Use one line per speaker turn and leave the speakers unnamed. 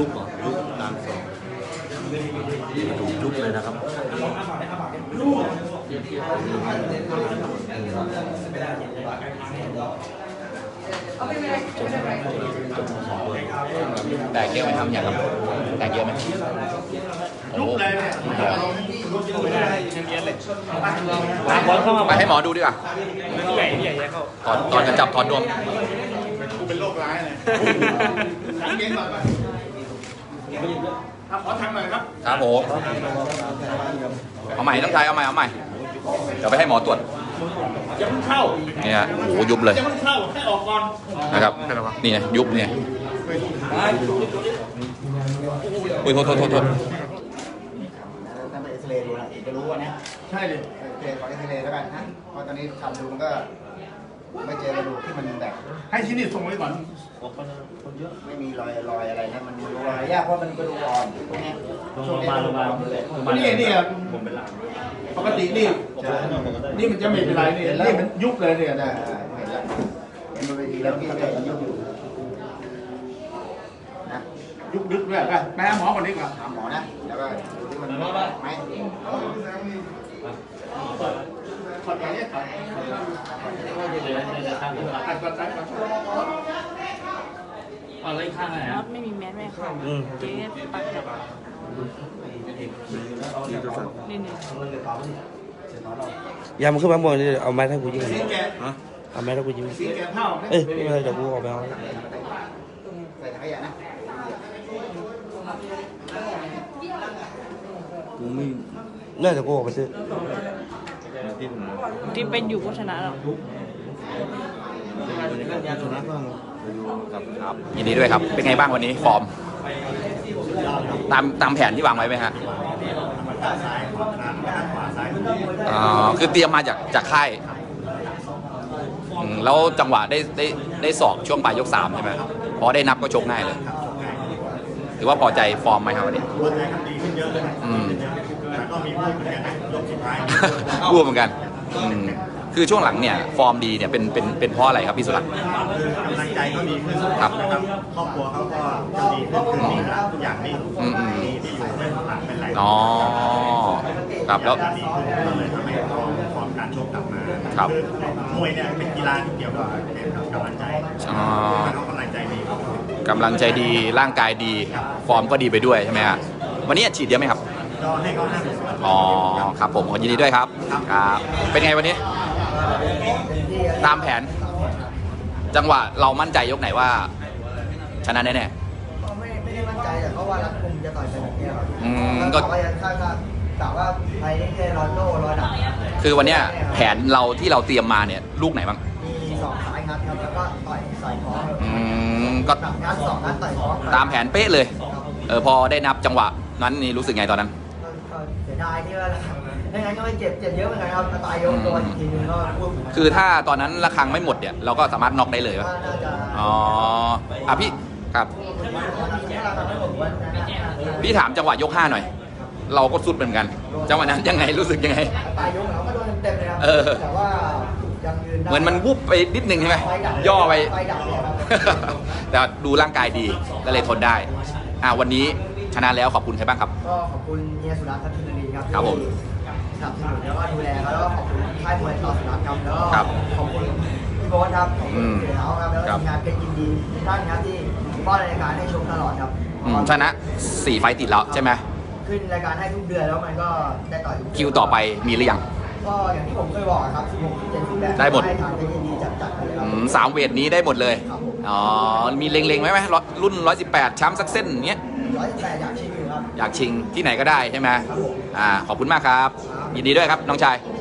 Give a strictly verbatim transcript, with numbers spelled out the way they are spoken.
ยุบเหรอยุบตามสองถูกยุบเลยนะครับ
แตกเยอะไหมทำอย่างครับแตกเยอะไหมโอ้ไปให้หมอดูดีกว่าตอนตอนจะจับถอดนวม
กูเป็นโรคร้ายเลยเก่งหน่อยครับขอทำหน่อยครับ
ครับผมเอาใหม่ต้องใช้เอาใหม่เอาใหม่เดี๋ยวไปให้หมอตรวจ
อย่าเพิ่งเข้า
เนี่ยโอ้ยุบเลย
อย่าเพิ่งเข้าให้ออกก่อน
นะครับนี่ไงยุบเนี่ยอุ้ยโทษโทษโทษโทษ
ถ้าไปเอ็กซเรย์ดูนะจะรู้ว่าเนี้ย
ใช่เลย
โอเคขอเอ็กซเรย์แล้วกันนะเพราะตอนนี้ทำดูมันก็ไม่เจอกระดูกที่มันแบบ
ให้ที่นี่ส่งไว้ก่อน
ไม่มีรอยรอยอะไรนะมันดูรอยยากเพราะมันกระดูกอ่อนพวกนี้ช่วงนี้กระดูกอ่อนเลย
นี่นี่ผมเป็นหลังปกตินี่นี่มันจะไม่เป็นไรนี่นี่มันยุบเลยเนี่ย
นะเห็นแล้วเห็นบนเวทีแล้วพี่จะยุบอยู่นะ
ยุบดึกด้วยไปไปหาหมอก่อนดีกว่า
หาหมอนะแล้วก็ดูที่มันไหม
ขอดอะไรเนี่ยขอดขัดก่อนขัดก่อน
อะไรข้างไหนครับไม่มีแมสไม่เข้าเจ๊ปัดครับนี่นี่
ยามขึ้นมาบนนี่เอาไม้ให้กูยิงเอาไม้ให้กูยิง
สีแกเท่า
เอ้ยไม่เป็นไรเดี๋ยวกูออกไปเอา
ใส่ถังขยะนะ
กูไม่เลิกแต่กูออกไปซื้อ
ที่เป็นอยู่ก็ชนะแล้ว
ยินดีด้วยครับเป็นไงบ้างวันนี้ฟอร์มตามตามแผนที่วางไว้ไหมฮะอ๋อคือเตรียมมาจากจากค่ายแล้วจังหวะได้ได้ได้สอบช่วงปลายยกสามใช่ไหมพอได้นับก็ชกง่ายเลยถือว่าพอใจฟอร์มไหมครับวันนี้
พอใจครับดีขึ้นเยอะเลย
อืม
แต่ก็มีพูดเหมือนกันนะยกสุดท้าย
พูดเหมือนกันคือช่วงหลังเนี่ยฟอร์มดีเนี่ยเป็นเป็นเป็นเพราะอะไรครับพี่สุรัตน์
คือกำลังใจเขาดีขึ้น
ครับ
ครอบครัวเขาก็จะดีขึ้นคือนี่ทุกอย่างนี่มีที่อยู่เป็นหลักเป็นแหล่ง
อ๋อครับแล้ว
ดีขึ้นก็เลยทำให้เขาฟอร์มการชกกลับมา
ครับ
มวยเนี่ยเป็นกีฬาที่เกี่ยวกับกำลังใจ
อ๋อ
เขากำลังใจดี
กำลังใจดีร่างกายดีฟอร์มก็ดีไปด้วยใช่ไหมฮะวันนี้ฉีดเยอะไหมครับ
ก็ให้เขาห้าสิบ
อ๋อครับผมยินดีด้วยครับครับเป็นไงวันนี้ตามแผนจังหวะเรามั่นใจยกไหนว่าชนะแน่
ๆไม่ไม่ได้มั่นใจแต่ก็ว่ารัดกุมจะต่อยกันแบบนี้ครับ
อืมก็
ว่ายังคาดว่าแต่ว่าไปนี่แค่รอนโดรอยดับ
คือวันนี้แผนเราที่เราเตรียมมาเนี่ยลูกไหนบ้าง
มีสองสายงัดครับแล้วก็ต่อยใส่ท้อง
อืมก็
งัดสองงัดต่อยท้อง
ตามแผนเป๊ะเลยเออพอได้นับจังหวะนั้นนี่รู้สึกไงตอนนั้น
เสียดายที่ว่าไม่งั้นก็ไม่เจ็บเจ็บเยอะเหมือนกันครับตายยกตัวอีกทีนึงก็พูด
คือถ้าตอนนั้นระฆังไม่หมดเนี่ยเราก็สามารถน็อกได้เลยป่ะอ๋ออ่ะพี่ครับพี่ถามจังหวะยกห้าหน่อยเราก็สุดเหมือนกันจังหวะนั้นยังไงรู้สึกยังไง
ตายยกเราก็โดนเต็มเลยครับแต่ว่ายังยืน
เหมือนมันวุบไปนิดนึงใช่ไหมย่อไปแต่ดูร่างกายดีก็เลยทนได้อ่ะวันนี้ชนะแล้วขอบคุณใครบ้างครับ
ก็ขอบคุณเฮียสุรัตน์ทัพทิมรีครับ
ครับผม
สนับสนุนแล้วก็ดูแลแล้วก็ขอบคุณค่ายมวยต่อสุรัตน์ครับแล้วก็ขอบคุณพี่โบ๊ทครับขอบคุณเสือเท้าครับแล้วก็ทีมงานเป็นยินดีท่านครับที่ป้อนรายการให้ชมตลอดครับ
ชนะสี่ไฟติดแล้วใช่ไหม
ขึ้นรายการให้ทุกเดือนแล้วมันก็ได้ต่อย
คิวต่อไปมีหรือยัง
ก็อย่างที่ผมเคยบอกครับสิบหก สิบเจ็ด สิบแปด
ได้หมด
ให้ทางเป็นยินดีจัดๆเลยครับ
สามเวทนี้ได้หมดเลยอ๋อมีเล็งๆไหมไหมรุ่นหนึ่งร้อยสิบแปดช้ำสักเส้นเงี้ย
ร้อยสิบแปดอยากชิงอยู่ครับ
อยากชิงที่ไหนก็ได้ใช่ไหมอ่าขอบคุณมากครับยินดีด้วยครับน้องชาย